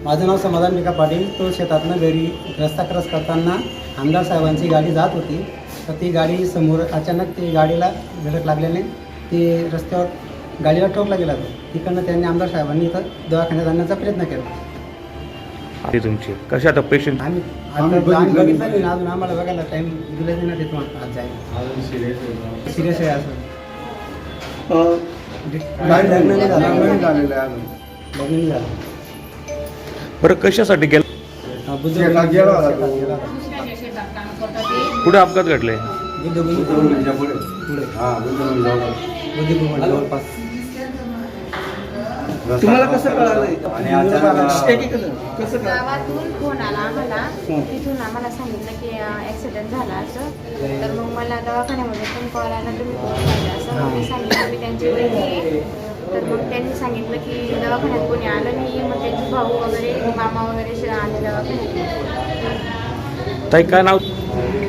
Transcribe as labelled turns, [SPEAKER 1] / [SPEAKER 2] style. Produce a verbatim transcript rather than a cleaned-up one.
[SPEAKER 1] माझं नाव समाधान विका पाटील. तो शेतातनं घरी रस्ता क्रॉस करताना आमदार साहेबांची गाडी जात होती. तर ती गाडी समोर अचानक ती गाडीला धडक लागल्याने ती रस्त्यावर गाडीला ठोकला गेला. तो तिकडनं त्यांनी आमदार साहेबांनी इथं दवाखान्यात आणण्याचा प्रयत्न केला.
[SPEAKER 2] ते तुमची कशा आता पेशंट
[SPEAKER 1] आम्ही आम्ही बघितलं नाही ना अजून. आम्हाला बघायला टाईम दिला नाही ना तिथून आज जायला. सिरियस आहे असं. लग्न नाही झालं. लग्न झालेलं आहे अजून. लग्न नाही झालं.
[SPEAKER 2] बरं कशासाठी गेला?
[SPEAKER 1] बुद्धभूमी गेला होता तो.
[SPEAKER 2] कुठे अपघात घडले?
[SPEAKER 1] बुद्धभूमी पुढे बुद्धभूमी जवळपास.
[SPEAKER 3] तुम्हाला कसं कळालं?
[SPEAKER 4] गावातून फोन आला आम्हाला. तिथून आम्हाला सांगितलं की ॲक्सिडेंट झाला असं. तर मग मला दवाखान्यामध्ये पण कॉल आला, तुम्ही कोण पाहिजे असं. मग मी सांगितलं मी त्यांची बहिणी आहे. तर मग त्यांनी सांगितलं की दवाखान्यात कोणी आलं नाही. मग त्यांचे भाऊ वगैरे मामा वगैरे आले दवाखान्यात.
[SPEAKER 2] ताई काय नाव?